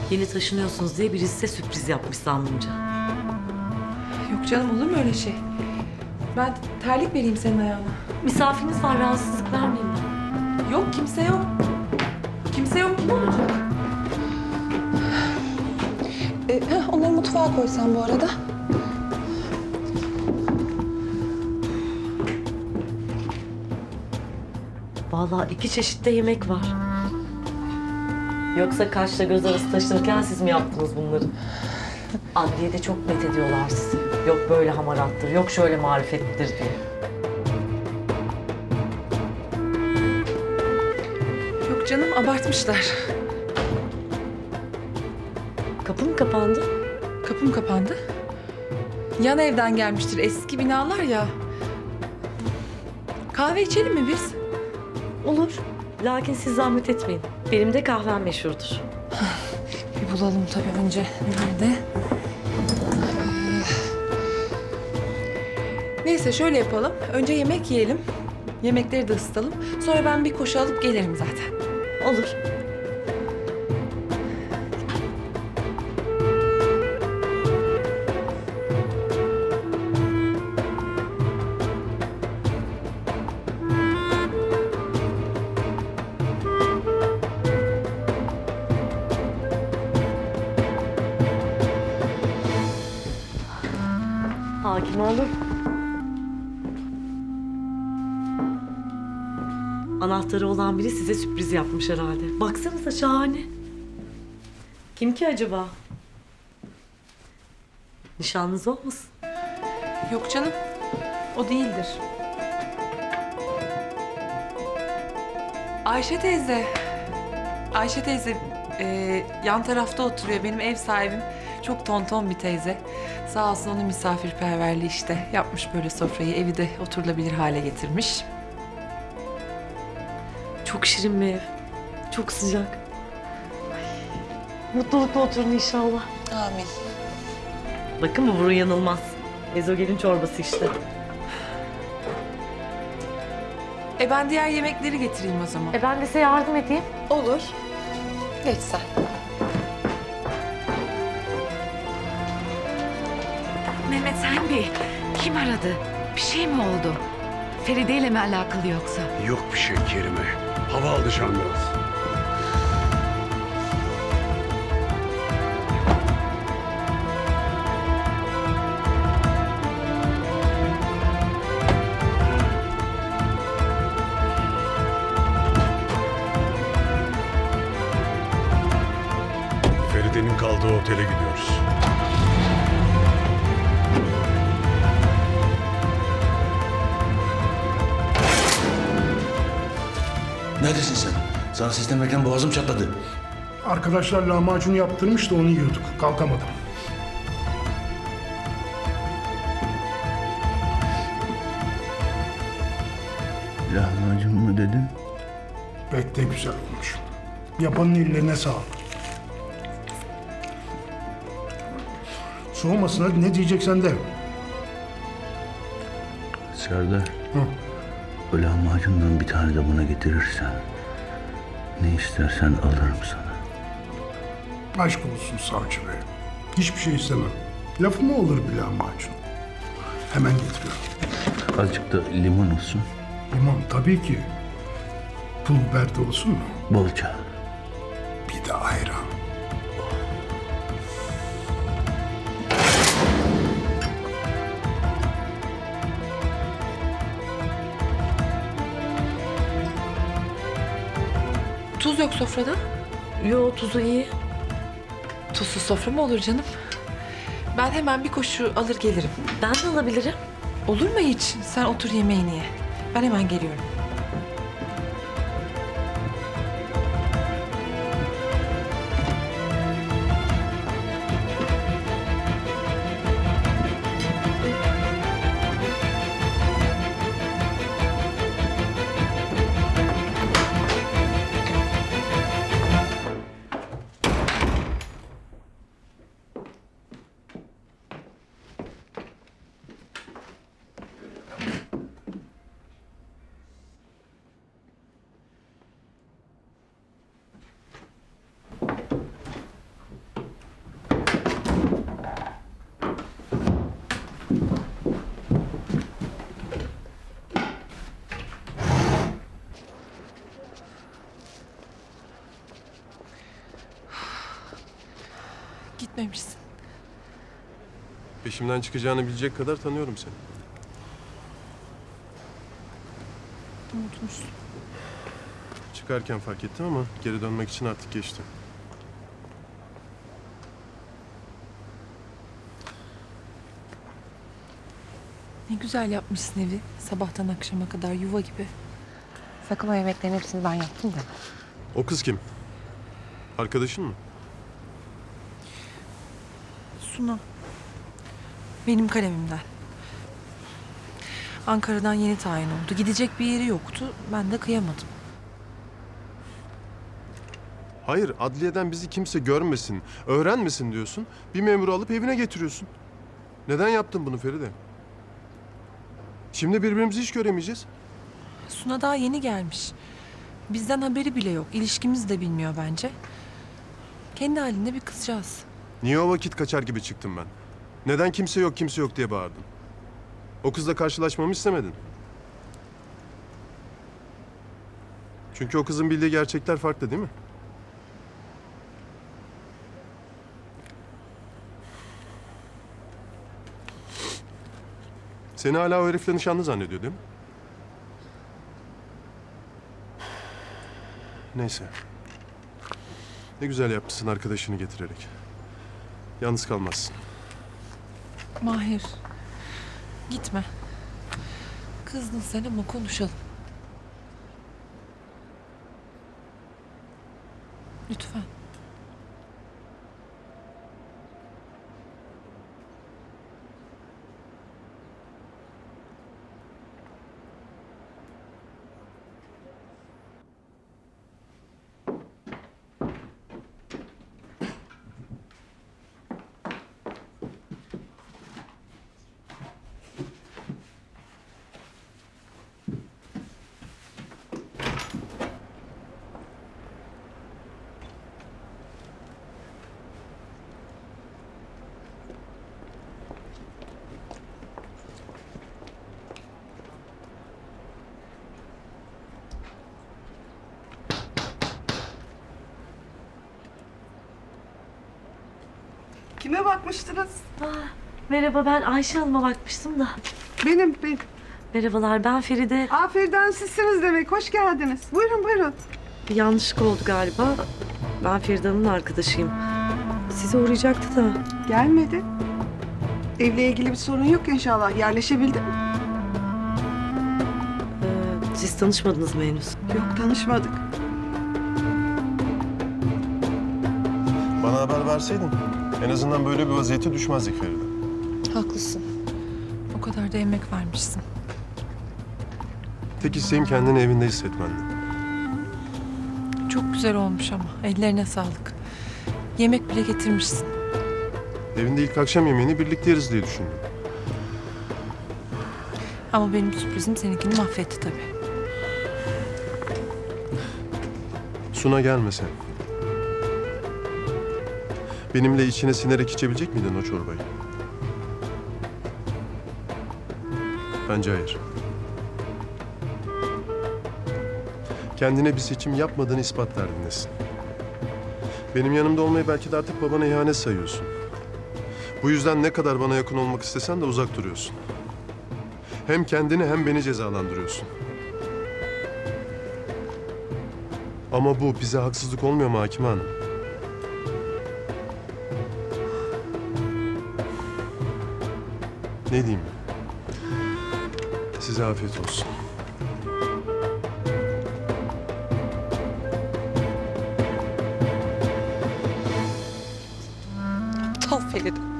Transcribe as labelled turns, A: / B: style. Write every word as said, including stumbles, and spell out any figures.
A: Yeni taşınıyorsunuz diye birisi size sürpriz yapmış zannımca.
B: Yok canım, olur mu öyle şey? Ben terlik vereyim senin ayağına.
A: Misafiriniz var, rahatsızlık vermeyeyim ben.
B: Yok, kimse yok. Kimse yok, kim olacak? Ee, heh, onları mutfağa koysan bu arada.
A: Vallahi iki çeşitte yemek var. Yoksa kaşla göz arası taşınırken siz mi yaptınız bunları? Adliyede çok met ediyorlar sizi. Yok böyle hamarattır, yok şöyle marifetlidir diye.
B: Yok canım, abartmışlar.
A: Kapı mı kapandı?
B: Kapım kapandı. Yan evden gelmiştir, eski binalar ya. Kahve içelim mi biz?
A: Olur. Lakin siz zahmet etmeyin. Benim de kahvem meşhurdur.
B: Bir bulalım tabii önce. Nerede? Neyse şöyle yapalım. Önce yemek yiyelim. Yemekleri de ısıtalım. Sonra ben bir koşu alıp gelirim zaten.
A: Olur. Hakim oğlum. Anahtarı olan biri size sürpriz yapmış herhalde. Baksanıza şahane. Kim ki acaba? Nişanlınız olmasın?
B: Yok canım. O değildir. Ayşe teyze. Ayşe teyze e, yan tarafta oturuyor. Benim ev sahibim. Çok tonton bir teyze. Sağ olsun onun misafirperverliği işte. Yapmış böyle sofrayı. Evi de oturulabilir hale getirmiş.
A: Çok şirin bir ev. Çok sıcak. Ay, mutlulukla oturun inşallah.
B: Amin.
A: Bakın bu burun yanılmaz. Ezogelin çorbası işte.
B: E ben diğer yemekleri getireyim o zaman.
A: E ben de size yardım edeyim.
B: Olur. Geç sen.
C: Mehmet sen Bey, kim aradı? Bir şey mi oldu? Feride ile mi alakalı yoksa?
D: Yok bir şey Kerime. Hava alacağım biraz. Feride'nin kaldığı otele gidiyoruz.
E: Neredesin sen? Sana seslenmekten boğazım çatladı.
F: Arkadaşlar lahmacun yaptırmış da onu yiyorduk. Kalkamadım.
E: Lahmacun mu dedin?
F: Pek de güzel olmuş. Yapanın ellerine sağlık. Soğumasın, hadi ne diyeceksen de.
E: Serdar,
F: Hı.
E: o lahmacundan bir tane de buna getirirsen... ...ne istersen alırım sana.
F: Aşk olsun savcı bey. Hiçbir şey istemem. Lafı mı olur bir lahmacun? Hemen getiriyorum.
E: Azıcık da limon olsun.
F: Limon tabii ki. Pul biber de olsun mu?
E: Bolca.
F: Bir de ayran.
B: Tuz yok sofrada.
A: Yo, tuzu iyi.
B: Tuzsuz sofra mı olur canım? Ben hemen bir koşu alır gelirim.
A: Ben de alabilirim.
B: Olur mu hiç? Sen otur yemeğini ye. Ben hemen geliyorum. Gitmemişsin.
G: Peşimden çıkacağını bilecek kadar tanıyorum seni.
B: Unutmuşsun.
G: Çıkarken fark ettim ama geri dönmek için artık geçti.
B: Ne güzel yapmışsın evi. Sabahtan akşama kadar yuva gibi. Sakın o yemeklerin hepsini ben yaptım da.
G: O kız kim? Arkadaşın mı?
B: Suna. Benim kalemimden. Ankara'dan yeni tayin oldu. Gidecek bir yeri yoktu. Ben de kıyamadım.
G: Hayır, adliyeden bizi kimse görmesin, öğrenmesin diyorsun. Bir memuru alıp evine getiriyorsun. Neden yaptın bunu Feride? Şimdi birbirimizi hiç göremeyeceğiz.
B: Suna daha yeni gelmiş. Bizden haberi bile yok. İlişkimizi de bilmiyor bence. Kendi halinde bir kızcağız.
G: Niye o vakit kaçar gibi çıktım ben? Neden kimse yok, kimse yok diye bağırdın? O kızla karşılaşmamı istemedin. Çünkü o kızın bildiği gerçekler farklı değil mi? Seni hala o herifle nişanlı zannediyor değil mi? Neyse. Ne güzel yapmışsın arkadaşını getirerek. Yalnız kalmazsın.
B: Mahir. Gitme. Kızdın sen ama konuşalım. Lütfen.
H: Kime bakmıştınız?
A: Merhaba, ben Ayşe Hanım'a bakmıştım da.
H: Benim, benim.
A: Merhabalar, ben Feride.
H: Aferin sizsiniz demek. Hoş geldiniz. Buyurun, buyurun.
A: Bir yanlışlık oldu galiba. Ben Feride Hanım'ın arkadaşıyım. Sizi uğrayacaktı da.
H: Gelmedi. Evle ilgili bir sorun yok inşallah. Yerleşebildin mi?
A: Ee, siz tanışmadınız mı henüz?
H: Yok, tanışmadık.
G: Bana haber verseydin en azından böyle bir vaziyete düşmezdik Feride.
B: Haklısın. O kadar da emek vermişsin.
G: Tek isteğim kendini evinde hissetmendi.
B: Çok güzel olmuş ama. Ellerine sağlık. Yemek bile getirmişsin.
G: Evinde ilk akşam yemeğini birlikte yeriz diye düşündüm.
B: Ama benim sürprizim seninkini mahvetti tabii.
G: Suna gelmese. Benimle içine sinerek içebilecek miydin o çorbayı? Bence hayır. Kendine bir seçim yapmadığını ispat derdindesin. Benim yanımda olmayı belki de artık babana ihanet sayıyorsun. Bu yüzden ne kadar bana yakın olmak istesen de uzak duruyorsun. Hem kendini hem beni cezalandırıyorsun. Ama bu bize haksızlık olmuyor mu Hakime Hanım? Ne diyeyim? Size afiyet olsun.
B: Aptal Feride.